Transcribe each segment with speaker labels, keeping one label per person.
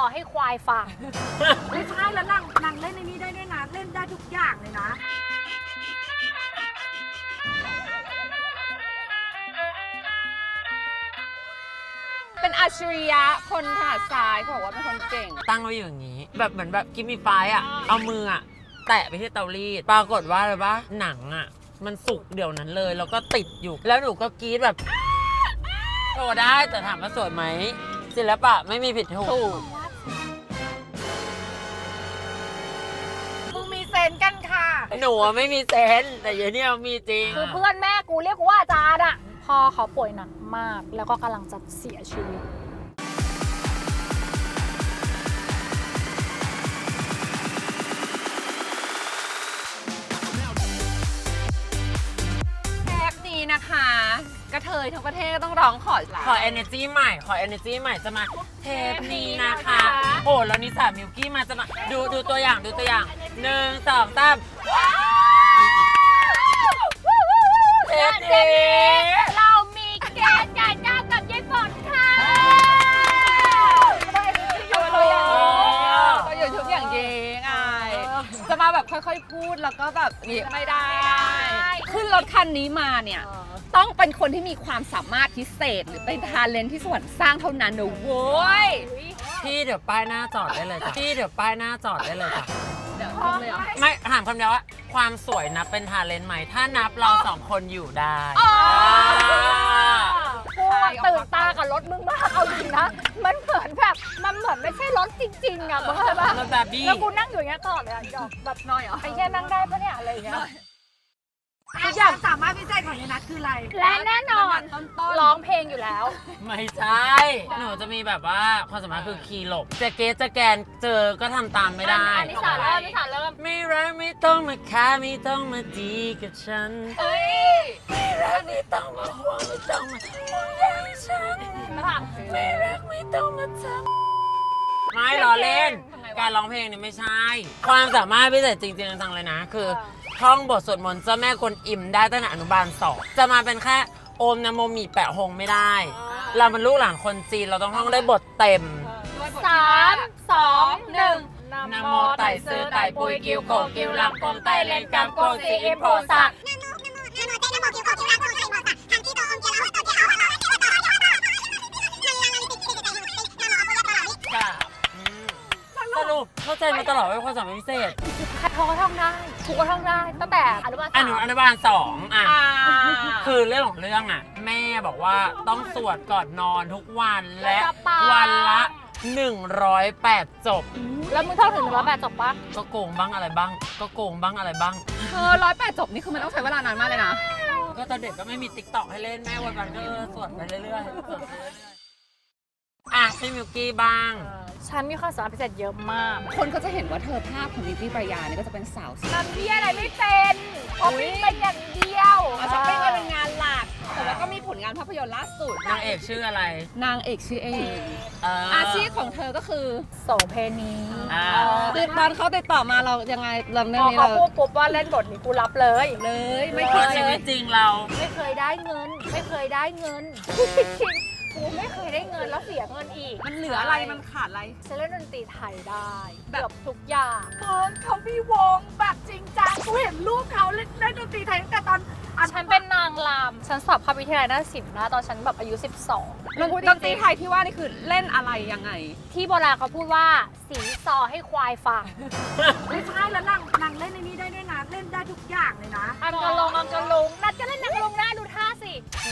Speaker 1: ให้ควายฟัง
Speaker 2: ไม่ใช่แล้วนางเล่นในนี้ได้ด้วยนะเล่นได้ทุกอย่างเลยนะ
Speaker 3: เป็นอัจฉริยะคนถนัดซ้ายบอกว่าเป็นคนเก่ง
Speaker 4: ตั้งไว้อยู่อย่างนี้ แบบเหมือนแบบกิมมี่ไฟอ่ะ เอามืออ่ะ แตะไปที่เตารีด ปรากฏว่าอะไรปะหนังอ่ะ มันสุกเดี๋ยวนั้นเลย แล้วก็ติดอยู่ แล้วหนูก็กรี๊ดแบบโชว์ได้แต่ถามว่าสวยไหมศิลปะไม่มีผิดถูก
Speaker 2: มึงมีเซนกันค่ะ
Speaker 4: หนูไม่มีเซนส์แต่เดี๋ยวนี้มีจริง
Speaker 1: คือเพื่อนแม่กูเรียกกูว่าอาจารย์อะพ่อเขาป่วยหนักมาก แล้วก็กำลังจะเสียชีวิต
Speaker 3: แทปนี้นะคะกระเทยทั้งประเทศก็ต้องร้องขอลา
Speaker 4: ขอ energy ใหม่ ขอ energy ใหม่จะมาเทปนี้นะคะ โอ้แล้วนิสามิวกี้มาจะมาดูตัวอย่างดูตัวอย่าง1 2 3เทปนี้
Speaker 1: เรามีแกนใหญ่เจ้ากับยายฝนค่ะ
Speaker 3: ตัวอย่างตัวอย่างชุดอย่างยิงไงจะมาแบบค่อยๆพูดแล้วก็แบบนี่ไม่ได้ ขึ้นรถคันนี้มาเนี่ย ต้องเป็นคนที่มีความสามารถพิเศษหรือเป็นทาเลนต์ที่สวรรค์สร้างเท่านั้นนะโว้ย
Speaker 4: พี่เดี๋ยวป้ายหน้าจอดได้เลยจ้ะพี่เดี๋ยวป้ายหน้าจอดได้เลยจ้ะ
Speaker 3: เดี๋ยวทำเลยเหรอ
Speaker 4: ไม่ถามคำเดียวว่าความสวยนับเป็นทาเลนต์ไหมถ้านับเราสองคนอยู่ได้
Speaker 1: กูตื่นตากับรถมึงมากเอาจริงนะ มันเหมือนแบบมันเหมือนไม่ใช่รถจริงๆอะมึงเข้าใจปะ
Speaker 4: รถแบบบี้
Speaker 1: แล้วกูนั่งอยู่อย่างเงี้ยตลอดเลยอะดอกแบบ
Speaker 3: น้อยเหรอ
Speaker 1: ไอ้แค่นั่งได้ปะเนี่ยอะไรอย่างเงี้ย
Speaker 2: ทุกอย่างสามารถพิเศษของยายนัทคืออะไร
Speaker 1: และแน่นอน
Speaker 3: ต้น
Speaker 1: ร้องเพลงอยู่แล้ว
Speaker 4: ไม่ใช่ หนูจะมีแบบว่าความสามารถคือคีย์หลบจะเกสจะแกนเจอก็ทำตามไม่ได้
Speaker 1: อันนี้สาเริ่มนี่สาเริ่ม
Speaker 4: ไม่รักไม่ต้องมาค้าไม่ต้องมาดีกับฉัน
Speaker 1: เอ้ย
Speaker 4: ไม่รักไม่ต้องมาห่วงไม่ต้องมาห่วงใยฉัน
Speaker 1: ค่ะ
Speaker 4: ไม่รักไม่ต้องมาทำไม่ล้อเล่น
Speaker 1: ทำไมวะ
Speaker 4: การร้องเพลงเนี่ยไม่ใช่ ความสามารถพิเศษจริงๆจังๆเลยนะ คือท่องบทสวดมนต์เจ้าแม่กวนอิมได้ตั้งแต่อนุบาล2จะมาเป็นแค่โอมนะโมมีแปะหงไม่ได้ เราเป็นลูกหลานคนจีนเราต้องท่องได้บทเต็ม
Speaker 1: 3 2 1
Speaker 4: นะโมไต่ซื้อไต่ปุยกิวโกกิวลังกงไต่เลนกำโกสีอิมโพสักค่ะสรุปเข้าใจมาตลอดว่าความสามารถพิเศษ
Speaker 1: คัดทอก็ท่องได้ถูกก็ท่องได้ตั้งแต่อนุบาล
Speaker 4: อนุบาล2อ่ะ คือเรื่องของเรื่องอ่ะ แม่บอกว่าต้องสวดก่อนนอนทุกวันและวันละ108 จบ
Speaker 1: แล้วมึงเท่าถึง108จบปะ
Speaker 4: ก็โกงบ้างอะไรบ้าง ก็โกงบ้างอะไรบ้าง
Speaker 3: 108 จบนี่คือมันต้องใช้เวลานานมากเลยนะ
Speaker 4: ก็ตอนเด็กก็ไม่มีติ๊กต็อกให้เล่นแม่วันๆก็สวดไปเรื่อยๆสวดไปเรื่อยๆอ่ะพี่มิวกี้บ้าง
Speaker 1: ฉันมีความสามารถพิเศษเยอะมาก
Speaker 3: คนก็จะเห็นว่าเธอภาพของลิลลี่ปรายาเนี่ยก็จะเป็นสาวสวย
Speaker 1: ทำที่อะไรไม่เป็นเพราะไม่เป็นอย่างเดียว
Speaker 3: ช้อปปิ้งก็เป็นงานหลัก แต่ว่าก็มีผลงานภาพยนตร์ล่าสุด
Speaker 4: นางเอกชื่ออะไร
Speaker 3: นางเอกชื่อเอง
Speaker 4: อา
Speaker 3: อาชีพของเธอก็คือ
Speaker 1: โสเพณี
Speaker 3: คือตอนเขาติดต่อมาเรายังไงเราเรื่
Speaker 1: พ
Speaker 3: อง
Speaker 1: อ
Speaker 3: นี้
Speaker 1: เขา
Speaker 3: เรา
Speaker 1: พูดปุ๊บว่าเล่นบทนี้กูรับเลย
Speaker 3: เลยไม่
Speaker 4: เพ
Speaker 3: เค
Speaker 4: ราะ
Speaker 3: ย
Speaker 4: ชี
Speaker 3: เล
Speaker 4: วิ
Speaker 3: ย
Speaker 4: ตจริงเรา
Speaker 1: ไม่เคยได้เงิน ไม่เคยได้เงินจริงๆกูไม่เคยได้เงินแล้วเสียเงินอีก
Speaker 3: มันเหลืออะไรมันขาดอะไร
Speaker 1: ฉันเล่นดนตรีไทยได้
Speaker 3: แบบ
Speaker 1: เกือบทุกอย่าง
Speaker 2: เขามีวงแบบจริงจังกูเห็นรูปเขาเล่นดนตรีไทยตั้งแต่ตอน
Speaker 1: ฉันเป็นนางรำฉันสอบเข้าวิทยาลัยนาฏศิลป์นะตอนฉันแบบอายุ 12
Speaker 3: ดนตรีไทยที่ว่านี่คือเล่นอะไรยังไง
Speaker 1: ที่โบราณเขาพูดว่าสีซอให้ควายฟัง
Speaker 2: ไม่ใช่แล้วนางเล่นในนี้ได้ด้วยนะเล่นได้ทุกอย่างเลยนะ
Speaker 1: อังกะลงนัดก็เล่นนังลงนะดูท่าสิ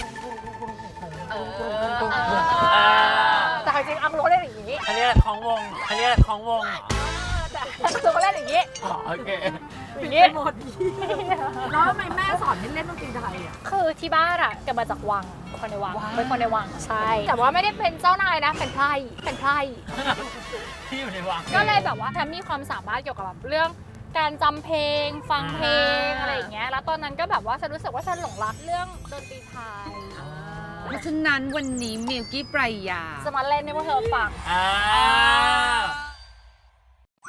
Speaker 1: แต่จริงๆอังโลเล่นอย่างนี้
Speaker 4: อันนี้แหละของวง อันนี้แหละของวงเหรอ
Speaker 1: ตัวก็เล่นอย่างนี้
Speaker 4: อ๋อโอเค
Speaker 1: อย่างนี้
Speaker 2: หมดแล้วทำไมแม่สอนให้เล่นดนตรีไทยอ่ะ
Speaker 1: คือที่บ้านอะเกิดมาจากวังคนในวังเป็นคนในวังใช่ แต่ว่าไม่ได้เป็นเจ้านายนะเป็นไพร่
Speaker 4: ที่อยู่ในวัง
Speaker 1: ก็เลยแบบว่าฉันมีความสามารถเกี่ยวกับแบบเรื่องการจำเพลง ฟังเพลงอะไรอย่างเงี้ยแล้วตอนนั้นก็แบบว่าฉันรู้สึกว่าฉันหลงรักเรื่องดนตรีไทย
Speaker 3: เพราะฉะนั้นวันนี้มิลกี้ปรายา
Speaker 1: จะมาเล่นให้พวกเธอฟัง
Speaker 4: อ่า
Speaker 1: คือเธ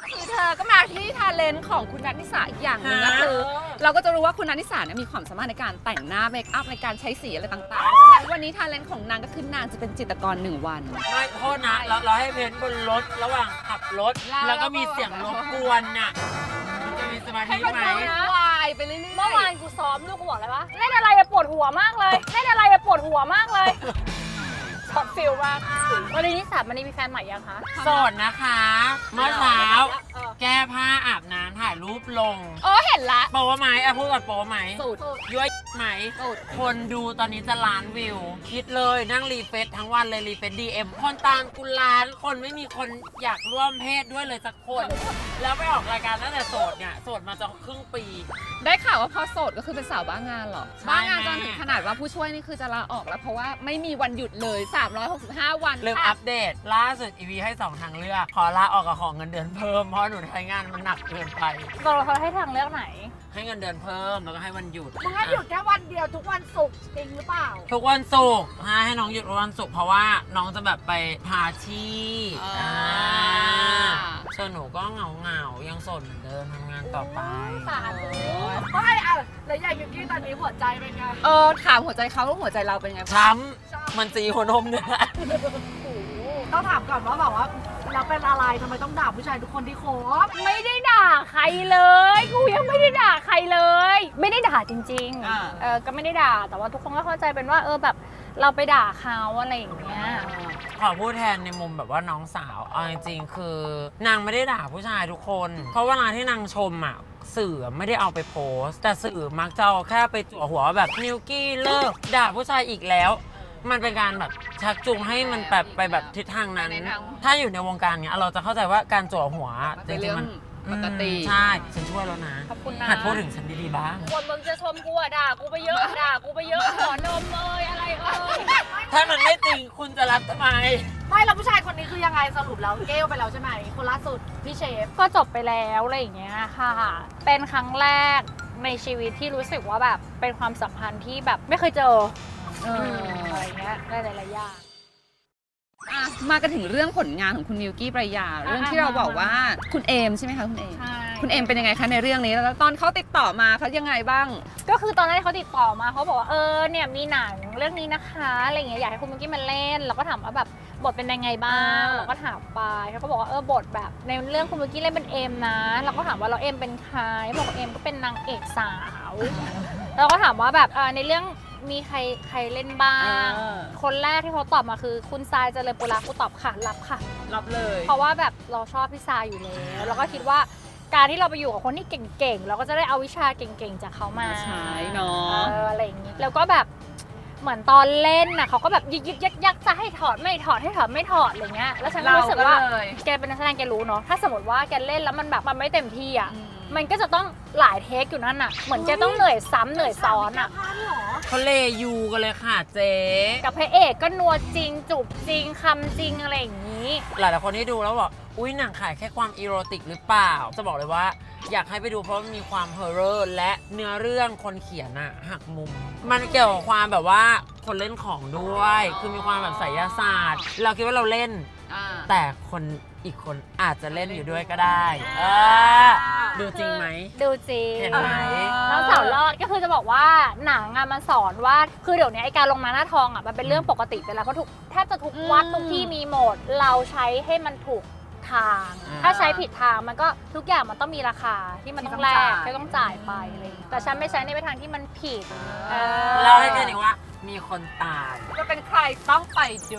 Speaker 3: ก็มาที่ทาเลนต์ของคุณนัทนิสาอีกอย่างหนึงก็คือ เราก็จะรู้ว่าคุณนัทนิสาเนี่ยมีความสามารถในการแต่งหน้าเมคอัพในการใช้สีอะไรต่างๆฉะนั้นวันนี้ทาเลนต์ของนางก็คือนางจะเป็นจิตรกร1 วัน
Speaker 4: ไม่โทษนะเราให้เพ้นบนรถระหว่างขับรถ แล้วก็มีเสียงรบกวนน่ะมันจะมีสมาธิ
Speaker 3: ให้มัน
Speaker 4: ไหม
Speaker 3: วายไปเรื่อยๆ
Speaker 1: เมื่อวานกูซ้อมลูกกูบอกเลยว่าเล่นอะไรอะปวดหัวมากเลยเล่นอะไรอะปวดหัวมากเลยช็อตฟิลมากวันนี้นิสามันนี่มีแฟนใหม่ยังคะ
Speaker 4: โสดนะคะ เมื่อเช้า แก้ผ้าอาบน้ำถ่ายรูปลง
Speaker 3: เห็นละ
Speaker 4: โป๊ไหมพูดก่อนโป๊ไหม
Speaker 3: สุด
Speaker 4: ย้วยไหม คนดูตอนนี้จะล้านวิว คิดเลยนั่งรีเฟซทั้งวันเลยรีเฟซDM คนตามกูล้านคนไม่มีคนอยากร่วมเพศด้วยเลยสักคน แล้วไปออกรายการตั้งแต่โสดเนี่ยโสดมาจะครึ่งปี
Speaker 3: ได้ข่าวว่าพอโสดก็คือเป็นสาวบ้างานเหรอ
Speaker 4: ใช่
Speaker 3: บ้างานจนถึงขนาดว่าผู้ช่วยนี่คือจะลาออกแล้วเพราะว่าไม่มีวันหยุดเลย 365 วัน
Speaker 4: ลืมอัปเดตล่าสุดอีวีให้2 ทางเลือก ขอลาออกกับของเงินเดือนเพิ่มเพราะหนูใช้งานมันหนักเกินไป
Speaker 1: เราให้ทางเลือกไหน
Speaker 4: ให้เงินเดือนเพิ่มแล้วก็ให้วันหยุด
Speaker 2: มึงให้หยุดแค่วันเดียวทุกวันศุกร์จริงหรือเปล่า
Speaker 4: ทุกวันศุกร์ให้น้องหยุดวันศุกร์เพราะว่าน้องจะแบบไปพาที่
Speaker 3: อ่า
Speaker 4: ส่วนหนูก็เหงายังโสดเหมือนเดิมทำงานต่อไป
Speaker 1: สาธุ
Speaker 2: ไม่อะแล้วอย่างยูกี้ตอนนี้หัวใจเป็นไง
Speaker 3: ถามหัวใจเขาแล้วหัวใจเราเป็นไงบ้าง
Speaker 4: ช้ำมันสีหัวนมเนี่ยแหละ
Speaker 2: ต้องถามก่อนว่าแบบว่าเราเป็นอะไรทำไมต้องด่าผู้ชายทุกคนที่คบ
Speaker 1: ไม่ได้ด่าใครเลยกูยังไม่ได้ด่าใครเลย ไม่ได้ด่าจริง
Speaker 3: อ่า
Speaker 1: ก็ไม่ได้ด่าแต่ว่าทุกคนก็เข้าใจเป็นว่าแบบเราไปด่าเขาอะไรอย่างเงี้ย
Speaker 4: ขอพูดแทนในมุมแบบว่าน้องสาวเอาจริงๆคือนางไม่ได้ด่าผู้ชายทุกคน เพราะเวลาที่นางชมอ่ะสื่อไม่ได้เอาไปโพสต์แต่สื่อมักจะเอาแค่ไปจั่วหัวแบบนิวกี้เลิกด่าผู้ชายอีกแล้ว มันเป็นการแบบชักจูงให้มันแบบไปแบบทิศทางนั้น ถ้าอยู่ในวงการเนี้ยเราจะเข้าใจว่าการจั่วหัวจ
Speaker 3: เป็น
Speaker 4: ริ
Speaker 3: เรื่
Speaker 4: ง
Speaker 3: อง
Speaker 4: ๆมัน
Speaker 3: ปกติ
Speaker 4: ใช่ฉันช่วยแล้วนะ
Speaker 1: ขอบคุณนะ
Speaker 4: หัดพูดถึงฉันดีๆบ้าง
Speaker 1: คนมึงจะชมกูอะด่ากูไปเยอะด่ากูไปเยอะขอนมอะไร
Speaker 4: ถ้ามันไม่จริงคุณจะรับทำไม
Speaker 2: ไม่แล้วผู้ชายคนนี้คือยังไงสรุปแล้วเกลไปแล้วใช่ไหมคนล่าสุดพี่เชฟ
Speaker 1: ก็จบไปแล้วอะไรอย่างเงี้ยค่ะ เป็นครั้งแรกในชีวิตที่รู้สึกว่าแบบเป็นความสัมพันธ์ที่แบบไม่เคยเจออะไรเงี้ยได้หลายๆอย่าง
Speaker 3: มากันถึงเรื่องผลงานของคุณมิวกี้ปรายาเรื่องที่เราบอกว่าคุณเอมใช่ไหมคะคุณเอม
Speaker 1: ใช่
Speaker 3: คุณเอมเป็นยังไงคะในเรื่องนี้แล้วตอนเขาติดต่อมาเขายังไงบ้าง
Speaker 1: ก็คือตอนแรกเขาติดต่อมาเขาบอกว่าเนี่ยมีหนังเรื่องนี้นะคะอะไรเงี้ยอยากให้คุณมิกกี้มาเล่นเราก็ถามว่าแบบบทเป็นยังไงบ้างเราก็ถามไปเขาก็บอกว่าบทแบบในเรื่องคุณมิกกี้เล่นเป็นเอมนะเราก็ถามว่าเราเอมเป็นใครบอกว่าเอมก็เป็นนางเอกสาวเราก็ถามว่าแบบในเรื่องมีใครเล่นบ้าง คนแรกที่เขาตอบมาคือคุณทรายเจริญปุระกูตอบค่ะรับค่ะ
Speaker 3: รับเลย
Speaker 1: เพราะว่าแบบเราชอบพี่ทรายอยู่แล้วเราก็คิดว่าการที่เราไปอยู่กับคนที่เก่งๆเราก็จะได้เอาวิชาเก่งๆจากเขามา
Speaker 3: ใช่เนาะ
Speaker 1: อะไรอย่างนี้แล้วก็แบบเหมือนตอนเล่นน่ะเขาก็แบบยึกยักจะให้ถอดไม่ถอดให้ถอดไม่ถอดอะไรเงี้ยแล้วฉันก็รู้สึกว่าแกเป็นนักแสดงแกรู้เนาะถ้าสมมติว่าแกเล่นแล้วมันแบบมันไม่เต็มที่อ่ะมันก็จะต้องหลายเทคอยู่นั่นน่ะเหมือนแกต้องเหนื่อยซ้ำเหนื่อยซ้อนอ่ะ
Speaker 2: พาร์ทเหรอ
Speaker 4: เขาเลยูกันเลยค่ะเจ๊
Speaker 1: กับพระเอกก็นัวจริงจูบจริงคำจริงอะไรอย่างนี้
Speaker 4: หลายๆคนที่ดูแล้วบอกอุ้ยหนังขายแค่ความอีโรติกหรือเปล่า จะบอกเลยว่าอยากให้ไปดูเพราะมันมีความเฮอร์เรอร์และเนื้อเรื่องคนเขียนอะหักมุม มันเกี่ยวกับความแบบว่าคนเล่นของด้วย คือมีความแบบไสยศาสตร์ เราคิดว่าเราเล่น แต่คนอีกคนอาจจะเล่นอยู่ด้วยก็ได้ดูจริงไหม
Speaker 1: ดูจริง
Speaker 4: เห็นไหม
Speaker 1: น้องสาวรอดก็คือจะบอกว่าหนังอะมันสอนว่าคือเดี๋ยวนี้ไอการลงมาหน้าทองอะมันเป็นเรื่องปกติไปแล้วเพราะแทบจะทุกวัดทุกที่มีหมดเราใช้ให้มันถูกทาง ถ้าใช้ผิดทางมันก็ทุกอย่างมันต้องมีราคาที่มันต้องแลกที่ต้องจ่ายไปอะไรอย่างเงี้ยแต่ฉันไม่ใช้ในทางที่มันผิด
Speaker 4: เล่าให้แค่นี้ว่ามีคนตาย
Speaker 3: จะเป็นใครต้องไปดู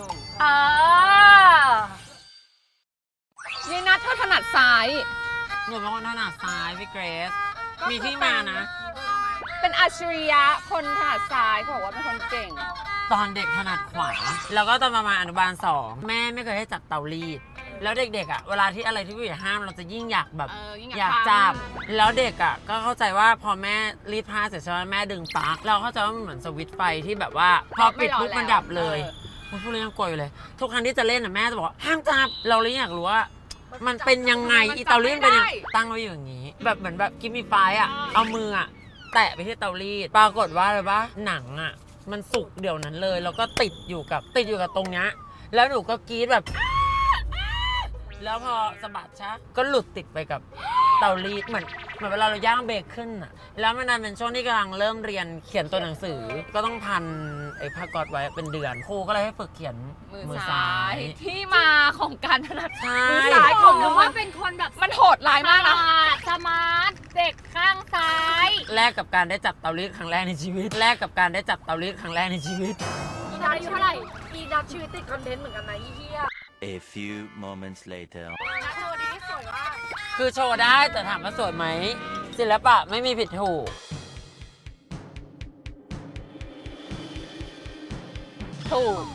Speaker 3: ยีนัทเธอถนัดซ้าย
Speaker 4: หนูเป็นคนถนัดซ้ายพี่เกรซมีที่มานะ
Speaker 3: เป็นอัจฉริยะคนถนัดซ้ายเขาบอกว่าเป็นคนเก่ง
Speaker 4: ตอนเด็กถนัดขวา แล้วก็ตอนประมาณอนุบาล 2 แม่ไม่เคยให้จับเตารีด แล้วเด็กๆอ่ะเวลาที่อะไรที่ผู้ใหญ่ห้ามเราจะยิ่งอยากแบบ
Speaker 3: ยิ่ง
Speaker 4: อยากจับ แล้วเด็กอ่ะก็เข้าใจว่าพอแม่รีดผ้าเสร็จใช่ไหมแม่ดึงปลั๊กเราเข้าใจว่ามันเหมือนสวิตช์ไฟที่แบบว่าพอปิดปุ๊บมันดับเลยพูดเลยยังกลัวอยู่เลย ทุกครั้งที่จะเล่นอ่ะแม่จะบอกว่าห้ามจับเราเลยอยากรู้ว่ามันเป็นยังไงอีเตารีดเป็นยังตั้งไว้อย่างนี้ แบบเหมือนแบบกิมมี่ไฟอ่ะเอามืออ่ะแตะไปที่เตารีดปรากฏว่าอะไรปะหนังอ่ะมันสุกเดี๋ยวนั้นเลยแล้วก็ติดอยู่กับตรงเนี้ยแล้วหนูก็กรี๊ดแบบแล้วพอสะบัดชะก็หลุดติดไปกับเตารีดเหมือนเวลาเราย่างเบคอนอ่ะแล้วมันนั้นเป็นช่วงที่กำลังเริ่มเรียนเขียนตัวหนังสือ ก็ต้องพันไอ้ผ้าก๊อซไว้เป็นเดือนครูก็เลยให้ฝึกเขียนมือซ้าย
Speaker 3: ที่มาของการถนัด
Speaker 4: ใช่
Speaker 3: มือซ้ายของ
Speaker 1: หรื
Speaker 3: น้
Speaker 1: อ
Speaker 3: อง
Speaker 1: ว่าเป็นคนแบบ
Speaker 3: มันโหดร้ายมากนะ
Speaker 1: สมาร์ทเด็กข้างซ้าย
Speaker 4: แลกกับการได้จับเตารีดครั้งแรกในชีวิตแลกกับการได้จับเตารีดครั้งแรกในชีวิต
Speaker 2: อีนัทชีวิตอีนัทชีวิตติดคอนเทนต์เหมือนกันนะอีเหี้ย
Speaker 5: A few moments later.
Speaker 2: นัทโชว์นี้สวยมาก
Speaker 4: คือโชว์ได้แต่ถามว่าสวยไหมศิลปะไม่มีผิดถูก
Speaker 3: ถูก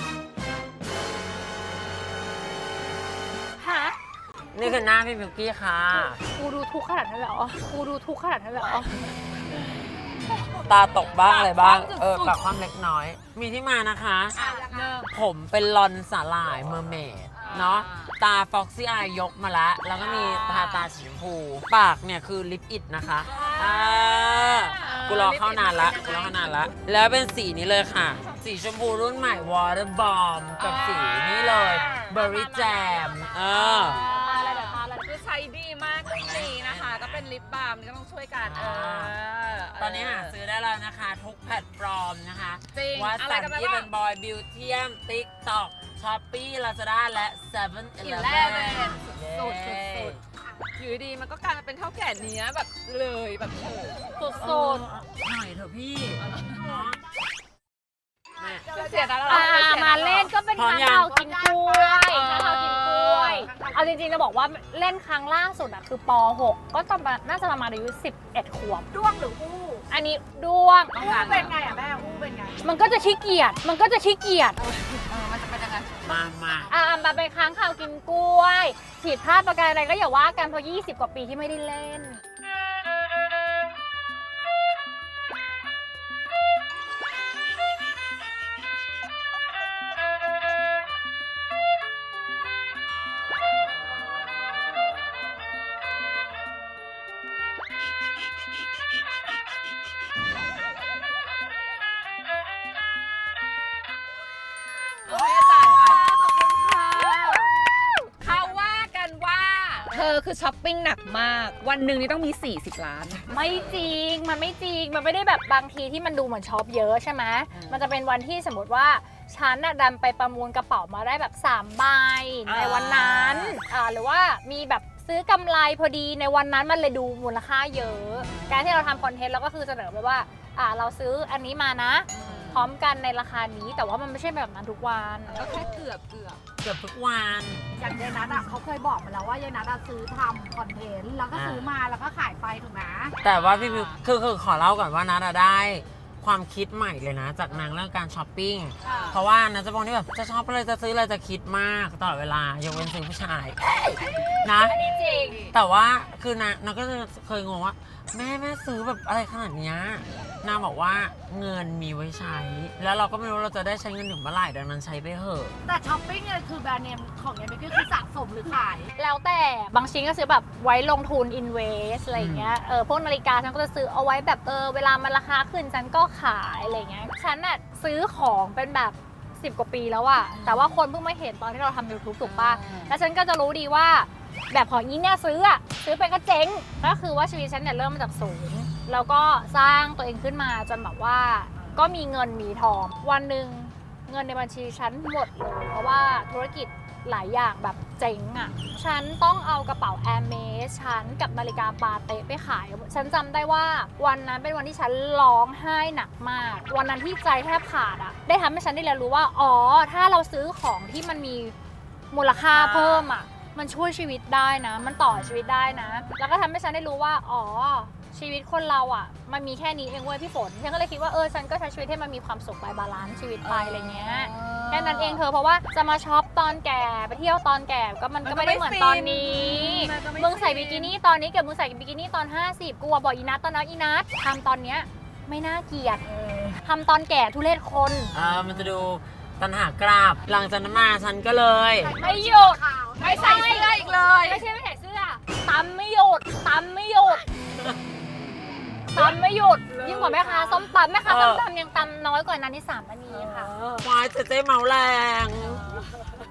Speaker 1: ฮะ
Speaker 4: นี่คือหน้าพี่มิวกี้ค่ะ
Speaker 1: กูดูทุกข์ขนาดนั้นเลยเหรอกูดูทุกข์ขนาดนั้นเลยเหรอ
Speaker 4: ตาตกบ้างอะไรบ้าง
Speaker 3: ปากคว่ำสุดๆ
Speaker 4: ปากความเล็กน้อย มีที่มานะคะ
Speaker 3: เริ่ม
Speaker 4: ผมเป็นลอนสาหร่ายเมอร์เมดเนาะตาฟ็อกซี่อายยกมาแล้ว แล้วก็มีตาสีชมพู ปากเนี่ยคือลิปอิดนะคะกูรอเข้านานละกูรอเข้านานละ แล้วเป็นสีนี้เลยค่ะ สีชมพูรุ่นใหม่ Water Bomb กับสีนี้เลย Berry Jam
Speaker 1: อะไรแบบอะไร
Speaker 3: คือใช้ดีมากจริงๆนะคะ ก็เป็นลิปบาล์มก็ต้องช่วยกัน
Speaker 4: ตอนนี้หาซื้อได้แล้วนะคะ ทุกแพลตฟอร์มนะคะ
Speaker 3: จริง
Speaker 4: วัด
Speaker 3: อะไร
Speaker 4: สัน
Speaker 3: กันไป
Speaker 4: ที่
Speaker 3: บ้า
Speaker 4: เป็
Speaker 3: ง
Speaker 4: นบอยบิวเทียม ติ๊กต็อกช้อปปี้ลาซาด้าและ7-Eleven
Speaker 3: 11สุดอยู่ดีมันก็กลายมาเป็นเท่าแก่เนี้ยแบบเลยแบบโอ้
Speaker 1: สุด
Speaker 4: หน่อยเถอะพี่เนาะแม่
Speaker 3: เสียดาย
Speaker 1: มาเล่นก็เป็น
Speaker 4: พร้อม
Speaker 1: ค้าง
Speaker 4: ยัง
Speaker 1: คาวกินกล้วยค้างคาวกินกล้วย เอาจริงๆจะบอกว่าเล่นครั้งล่าสุดอะคือป .6 ก็ตอนน่าจะประมาณอายุ11 ขวบ
Speaker 2: ด้วงหรืออู้
Speaker 1: อันนี้ด้วง
Speaker 2: อู้เป็นไงอ่ะแม่อู้เป็นไง
Speaker 1: มันก็จะขี้เกียจ มันก็จะขี้เกียจ
Speaker 3: มันจะเป็นยังไง
Speaker 4: มา
Speaker 1: มาไปค้างคาวกินกล้วยผิดพลาดประการอะไรก็อย่าว่ากันเพราะ20 กว่าปีที่ไม่ได้เล่น
Speaker 3: ให้อาจารย์ไปขอบคุณค่ะเขาว่ากันว่า เธอคือช้อปปิ้งหนักมาก วันหนึ่งนี่ต้องมี40 ล้าน
Speaker 1: ไม่จริง มันไม่จริง มันไม่ได้แบบบางทีที่มันดูเหมือนช็อปเยอะใช่ไหม มันจะเป็นวันที่สมมติว่าฉันน่ะดันไปประมูลกระเป๋ามาได้แบบ3ใบในวันนั้นหรือว่ามีแบบซื้อกำไรพอดีในวันนั้นมันเลยดูมูลค่าเยอะ การที่เราทำคอนเทนต์เราก็คือเสนอไปว่าเราซื้ออันนี้มานะ พร้อมกันในราคานี้ แต่ว่ามันไม่ใช่แบบนั้นทุกวัน
Speaker 3: ก็แค่เกือบ
Speaker 4: เกือบทุกวัน
Speaker 2: อย่างยายนัทอ่ะเขาเคยบอกมาแล้วว่ายายนัทอะซื้อทำคอนเทนต์แล้วก็ซื้อมาแล้วก็ขายไปถูกไหม
Speaker 4: แต่ว่าพี่มิวคือขอเล่าก่อนว่านัทได้ความคิดใหม่เลยนะ จากนางเรื่องการช้อปปิ้ง เพราะว่านัทจะบอกที่แบบจะช็อปอะไรจะซื้ออะไรจะคิดมากตลอดเวลายกเว้นซื้อผู้ชายนะ
Speaker 1: อันนี้จริง
Speaker 4: แต่ว่าคือนางก็จะเคยงงว่าแม่ซื้อแบบอะไรขนาดเนี้ยนางบอกว่าเงินมีไว้ใช้ แล้วเราก็ไม่รู้เราจะได้ใช้เงินถึงเมื่อไหร่ดังนั้นใช้ไปเถอะ
Speaker 2: แต่ช้อปปิ้งเนี่ยคือแบรนด์เนมของยายเบกก็คือสะสมหรือขาย
Speaker 1: แล้วแต่บางชิ้นก็ซื้อแบบไว้ลงทุน invest อะไรอย่างเงี้ยพวกนาฬิกาฉันก็จะซื้อเอาไว้แบบเวลามันราคาขึ้นฉันก็ขายอะไรเงี้ยฉันน่ะซื้อของเป็นแบบ10 กว่าปีแล้วอะแต่ว่าคนเพิ่งมาเห็นตอนที่เราทำ YouTube ถูกป่ะแล้วฉันก็จะรู้ดีว่าแบบของอีเนี่ยซื้อไปก็เจ๊งก็คือว่าชีวิตฉันเนี่ยเริ่มมาจากศูนย์แล้วก็สร้างตัวเองขึ้นมาจนแบบว่าก็มีเงินมีทองวันหนึ่งเงินในบัญชีฉันหมดเลยเพราะว่าธุรกิจหลายอย่างแบบเจ๊งอ่ะฉันต้องเอากระเป๋า Hermes ฉันกับนาฬิกาปาเต้ไปขายฉันจำได้ว่าวันนั้นเป็นวันที่ฉันร้องไห้หนักมากวันนั้นที่ใจแทบขาดอ่ะได้ทำให้ฉันได้เรียนรู้ว่าอ๋อถ้าเราซื้อของที่มันมีมูลค่าเพิ่มอ่ะมันช่วยชีวิตได้นะมันต่อชีวิตได้นะแล้วก็ทำให้ฉันได้รู้ว่าอ๋อชีวิตคนเราอ่ะมันมีแค่นี้เองเว้ยพี่ฝนฉันก็เลยคิดว่าฉันก็ใช้ชีวิตให้มันมีความสุขไปบาลานซ์ชีวิตไปอะไรเงี้ยแค่นั้นเองเธอเพราะว่าจะมาช็อปตอนแก่ไปเที่ยวตอนแก่ก็มันก็ไม่ได้เหมือนตอนนี้มึงใส่บิกินี่ตอนนี้กับมึงใส่บิกินี่ตอน50กูบอกอีนัทตอนนั้นอีนัททำตอนเนี้ยไม่น่าเกลียดทำตอนแก่ทุเรศคน
Speaker 4: มันจะดูตันหากราบหลังจากนั้นมาฉันก็เลย
Speaker 1: ไม่หยุด
Speaker 3: ไม่ใส่เสื้ออีกเลย
Speaker 1: ไม่ใช่ไม่ใส่เสื้อตำไม่หยุดตำไม่หยุดตำไม่หยุดยิ่งกว่าแม่ค้าส้มตำแม่ค้าส้มตำยังตำน้อยกว่านั้นที่3 นาทีค่ะ
Speaker 4: วายเจ๊เมาแรง
Speaker 1: นะ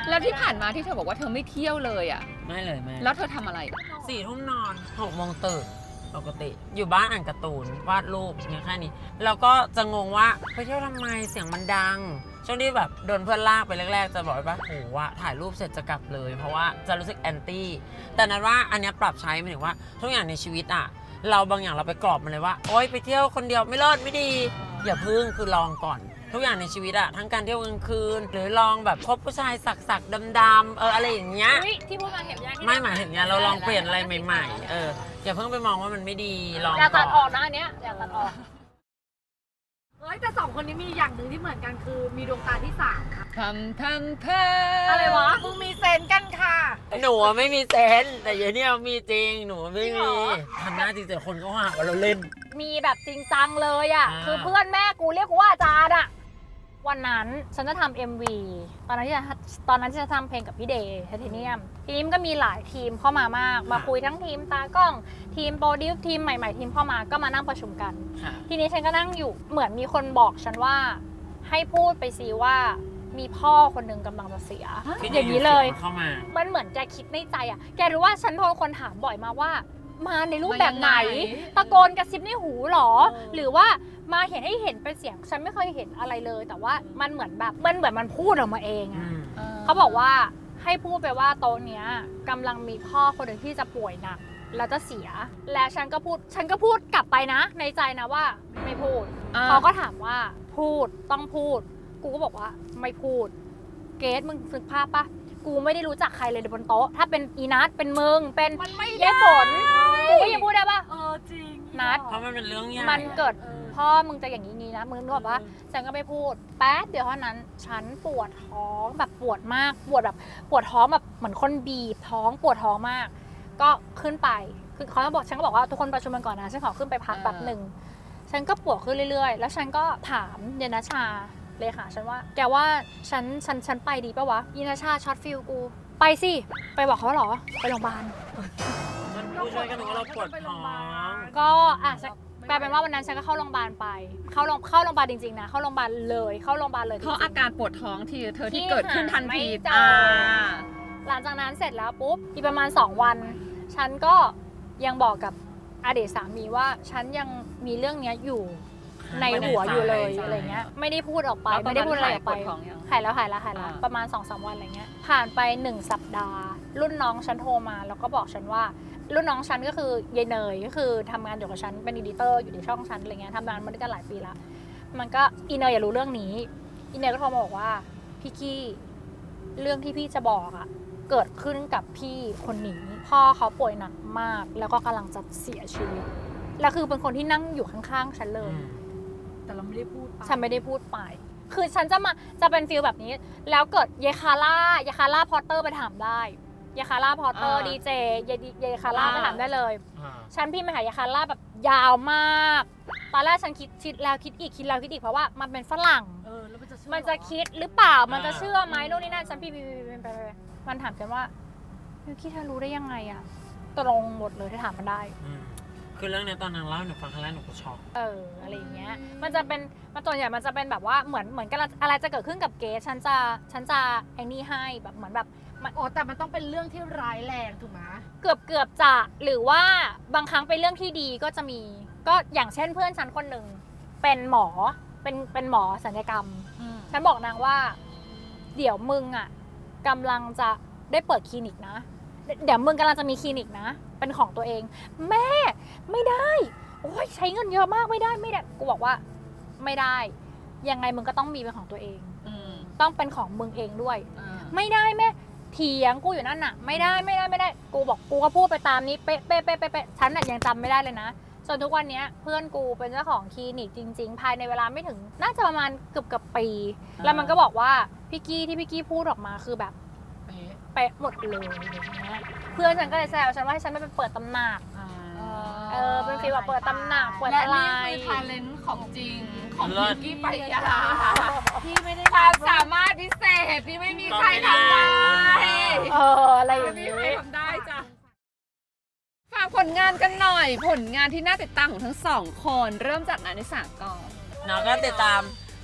Speaker 3: แล้วที่ผ่านมาที่เธอบอกว่าเธอไม่เที่ยวเลยอ่ะ
Speaker 4: ไม่เลยแม่
Speaker 3: แล้วเธอทำอะไร
Speaker 4: 4 ทุ่มนอน6 โมงตื่นปกติ อยู่บ้านอ่านการ์ตูนวาดรูปเนี่ยแค่นี้แล้วก็จะงงว่าไปเที่ยวทำไมเสียงมันดัง ช่วงที่แบบโดนเพื่อนลากไปแรกๆ จะบอกว่าโหว่าถ่ายรูปเสร็จจะกลับเลย เพราะว่าจะรู้สึกแอนตี้แต่นั้นว่าอันเนี้ยปรับใช้หมายถึงว่าทุกอย่างในชีวิตอ่ะเราบางอย่างเราไปกรอบมันเลยว่าโอ๊ยไปเที่ยวคนเดียวไม่รอดไม่ดี อย่าพึ่งคือลองก่อน ทุกอย่างในชีวิตอะทั้งการเที่ยวกลางคืน หรือลองแบบคบผู้ชายสักๆดำๆอะไรอย่างเงี้ย
Speaker 1: อุ๊ยที่พูดมาเห็นยัง
Speaker 4: ไม่หมายถึงเนี่ยเราลองเปลี่ยนอะไรใหม่ๆอย่าเพิ่งไปมองว่ามันไม่ดีลอง
Speaker 1: อย่าตัดอ
Speaker 4: ก่
Speaker 1: อ
Speaker 4: อก น
Speaker 1: นะอันเนี้ยอย่าตัดออก
Speaker 2: เฮ้ยแต่สองคนนี้มีอย่างหนึ่งที่เหมือนกันคือมีดวงตาที่สามค่ะ
Speaker 3: ทำ
Speaker 1: อะไรวะ
Speaker 2: มึงมีเซนกันค่ะ
Speaker 4: หนูอะไม่มีเซนส์แต่เดี๋ยวนี้มีจริงหนูไม่มีทำหน้าจริงแต่คนก็หาว่าเราเล่น
Speaker 1: มีแบบจริงจังเลยอ่ะ
Speaker 4: อ่า
Speaker 1: คือเพื่อนแม่กูเรียกกูว่าอาจารย์อ่ะ วันนั้นฉันจะทำ MV ตอนนั้นที่จะทำเพลงกับพี่เดย์ไทเทเนียม ทีนี้มันก็มีหลายทีมเข้ามามาก มาคุยทั้งทีมตากล้อง ทีมโปรดิวซ์ทีมใหม่ๆทีมเข้ามาก็มานั่งประชุมกัน
Speaker 4: ค่ะ
Speaker 1: ทีนี้ฉันก็นั่งอยู่เหมือนมีคนบอกฉันว่าให้พูดไปซิว่ามีพ่อคนหนึ่งกำลังจะเสีย อย่างนี้เลย
Speaker 4: เข้ามา
Speaker 1: มันเหมือนแกคิดในใจอ่ะ แกรู้ว่าฉันโดนคนถามบ่อยมาว่า มาในรูปแบบไหน ตะโกนกระซิบในหูหรอ หรือว่ามาเห็นให้เห็นเป็นเสียง ฉันไม่เคยเห็นอะไรเลย แต่ว่ามันเหมือนแบบมันพูดออกมาเองอะเขาบอกว่าให้พูดไปว่าโต๊ะเนี้ยกำลังมีพ่อคนหนึ่งที่จะป่วยหนักแล้วจะเสีย แล้วฉันก็พูดกลับไปนะ ในใจนะว่าไม่พูด เขาก็ถามว่าพูดต้องพูด กูก็บอกว่าไม่พูด เกรซมึงนึกภาพปะกูไม่ได้รู้จักใครเลยบนโต๊ะ ถ้าเป็นอีนัทเป็นมึงเป็น
Speaker 2: มันไม่
Speaker 1: เย้ฝนกูก็ยังพูดได้ปะ
Speaker 2: จริง
Speaker 1: นัด
Speaker 4: เพราะมันเป็นเรื่องใหญ่
Speaker 1: มันเกิดพ่อมึงจะอย่างนี้นะมึงนึกออกปะฉันก็ไม่พูดแป๊บเดียวเท่านั้นฉันปวดท้องแบบปวดมากปวดท้องแบบเหมือนคนบีบท้องปวดท้องมาก ก็ขึ้นไปคือเขาบอกฉันก็บอกว่าทุกคนประชุมกันก่อนนะฉันขอขึ้นไปพักแป๊บหนึ่งฉันก็ปวดขึ้นเรื่อยๆ แล้วฉันก็ถามเยนชาเลยค่ะฉันว่าแกว่าฉันไปดีปะวะเยนชาช็อตฟิลกูไปสิไปบอกเขาเหรอไปโรงพยาบาล
Speaker 4: มันผู้ช่วยกันว่าเราปวดท้อง
Speaker 1: ก็กลายเป็นว่าวันนั้นฉันก็เข้าโรงพยาบาลไปเข้าโรงพยาบาลจริงๆนะเข้าโรงพยาบาลเลยเข้าโรงพยาบาลเลย
Speaker 3: เพราะอาการปวดท้องที่เธอที่
Speaker 1: ที่
Speaker 3: เกิดขึ้นทันที
Speaker 1: ไม่เจอ หลังจากนั้นเสร็จแล้วปุ๊บอีกประมาณ2 วัน ฉันก็ยังบอกกับอดีตสามีว่าฉันยังมีเรื่องเนี้ยอยู่ในหัวอยู่เลยอะไรเงี้ยไม่ได้พูดออกไป
Speaker 3: แล้วตอน
Speaker 1: ไม่ได้พูดอะไรออกไป
Speaker 3: นั้นหายปวดท้องยัง
Speaker 1: หายแล้ว
Speaker 3: อ่า
Speaker 1: ประมาณ 2-3 วันอะไรเงี้ยผ่านไป1 สัปดาห์ รุ่นน้องฉันโทรมาแล้วก็บอกฉันว่ารุ่นน้องฉันก็คือยายเนยก็คือทำงานอยู่กับฉันเป็นอีดิเตอร์อยู่ในช่องฉันอะไรเงี้ยทำงานมาด้วยกันหลายปีละมันก็อีเนยอย่ารู้เรื่องนี้อีเนยก็โทรมาบอกว่าพี่กี้เรื่องที่พี่จะบอกอะเกิดขึ้นกับพี่คนนี้พ่อเขาป่วยหนักมากแล้วก็กำลังจะเสียชีวิตแล้วคือเป็นคนที่นั่งอยู่ข้างๆฉันเลย
Speaker 2: แต่เราไม่ได้พูดป
Speaker 1: ฉันไม่ได้พูดไป คือฉันจะเป็นฟีลแบบนี้ แล้วเกิดเยคาร่าพอตเตอร์ไปถามได้เยคาร่าพอตเตอร์ดีเจเยคาร่าไปถามได้เลย ฉันพิมพ์ไปหาเยคาร่าแบบยาวมาก ตอนแรกฉันคิดแล้วคิดอีกเพราะว่ามันเป็นฝรั่ง
Speaker 2: แล้วมันจะเชื่อ
Speaker 1: มันจะคิดหรือเปล่า มันจะเชื่อไหมโน่นนี่นั่น ฉันพิมพ์ไปมันถามฉันว่ายูคิเธอรู้ได้ยังไงอะตกลงหมดเลยที่ถามมันได้
Speaker 4: คือเรื่องเนี้ยตอนนางเล่าให้หนูฟังครั้งแรกหนูก็ช็อก
Speaker 1: อะไรอย่างเงี้ย มันตัวใหญ่มันจะเป็นแบบว่าเหมือนกันอะไรจะเกิดขึ้นกับเกสฉันจะไอ้นี่ให้แบบเหมือนแบบ
Speaker 2: แต่มันต้องเป็นเรื่องที่ร้ายแรงถูกไหม
Speaker 1: เกือบจะหรือว่าบางครั้งเป็นเรื่องที่ดีก็จะมีก็อย่างเช่นเพื่อนฉันคนหนึ่งเป็นหมอเป็นหมอศัลยกรรม ฉันบอกนางว่า เดี๋ยวมึงอ่ะกำลังจะได้เปิดคลินิกนะ เดี๋ยวมึงกำลังจะมีคลินิกนะ เป็นของตัวเอง แม่ไม่ได้โอ้ยใช้เงินเยอะมากไม่ได้กูบอกว่าไม่ได้ยังไงมึงก็ต้องมีเป็นของตัวเอง ต้องเป็นของมึงเองด้วย ไม่ได้แม่เถียงกูอยู่นั่นน่ะไม่ได้กูบอกกูก็พูดไปตามนี้เป๊ะฉันน่ะยังจำไม่ได้เลยนะจนทุกวันนี้เพื่อนกูเป็นเจ้าของคลินิกจริงๆภายในเวลาไม่ถึงน่าจะประมาณเกือบปี แล้วมันก็บอกว่าพี่กี้พูดออกมาคือแบบเป๊ะหมดเลยอย่างเงี้ยเพื่อนฉันก็เลยแซวฉันว่าให้ฉันไม่ไปเปิดตำหนักเป็นฟีลแบบเปิดตำหนักเปิด
Speaker 3: และ
Speaker 1: อะไร
Speaker 3: นี่คือทาเลนต์ของจริงของพิงกี้ไปยา
Speaker 2: พี่ไม่ได้
Speaker 3: ความสามารถพิเศษที่ไม่มีใครทำได้
Speaker 1: อะไรอย่าง
Speaker 3: ไม่
Speaker 1: นี้
Speaker 3: มีใครทำได้จ้ะฝากผลงานกันหน่อยผลงานที่น่าติดตามของทั้งสองคนเริ่มจากนันนิสาก่อน
Speaker 4: เนาะก็ติดตาม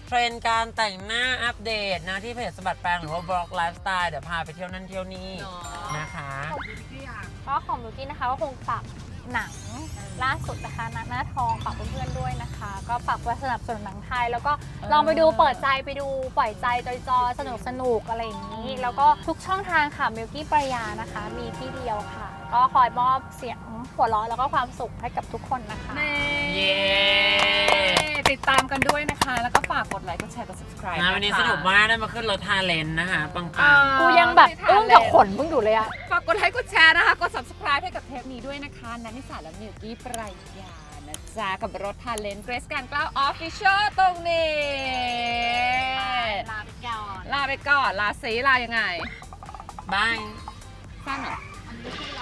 Speaker 4: เทรนด์การแต่งหน้าอัปเดตนะที่เพจสะบัดแปลงหรือว่าบล็อกไลฟ์สไตล์เดี๋ยวพาไปเที่ยวนั่นเที่ยวนี่นะคะ
Speaker 1: ก็ของบิวกี้นะคะก็คงฝากหนังล่าสุดนะคะหน้าทองฝากเพื่อนๆด้วยนะคะ ก็ฝากไว้สนับสนุนหนังไทย แล้วก็ลองไปดูเปิดใจไปดูปล่อยใจจอยๆสนุกๆอะไรอย่างนี้ แล้วก็ทุกช่องทางค่ะบิวกี้ปรายานะคะ มีที่เดียวค่ะ ก็คอยมอบเสียงหัวเราะแล้วก็ความสุขให้กับทุกคนนะคะ
Speaker 4: เย้
Speaker 3: ติดตามกันด้วยนะคะ แล้วก็ฝากกดไลค์กดแชร์กด subscribe
Speaker 4: นะวันนี้สนุกมากได้มาขึ้นรถทาเลนนะคะปัง
Speaker 1: กูยังแบบอึ้งกับขนเพิ่งอยู่เลยอะ
Speaker 3: ฝากกดไลค์กดแชร์นะคะ กด subscribe ให้กับเทปนี้ด้วยนะคะนันนิสาและมิวกี้ปรายานะจ๊ะกับรถทาเลนเกรซการกล้าว Official ตรงนี้
Speaker 1: ลาไปก่อน
Speaker 3: ลาไปก่อน ลาซีลายังไง
Speaker 4: ๆบาย
Speaker 3: สั้นเหรอ
Speaker 1: อันนี้คือ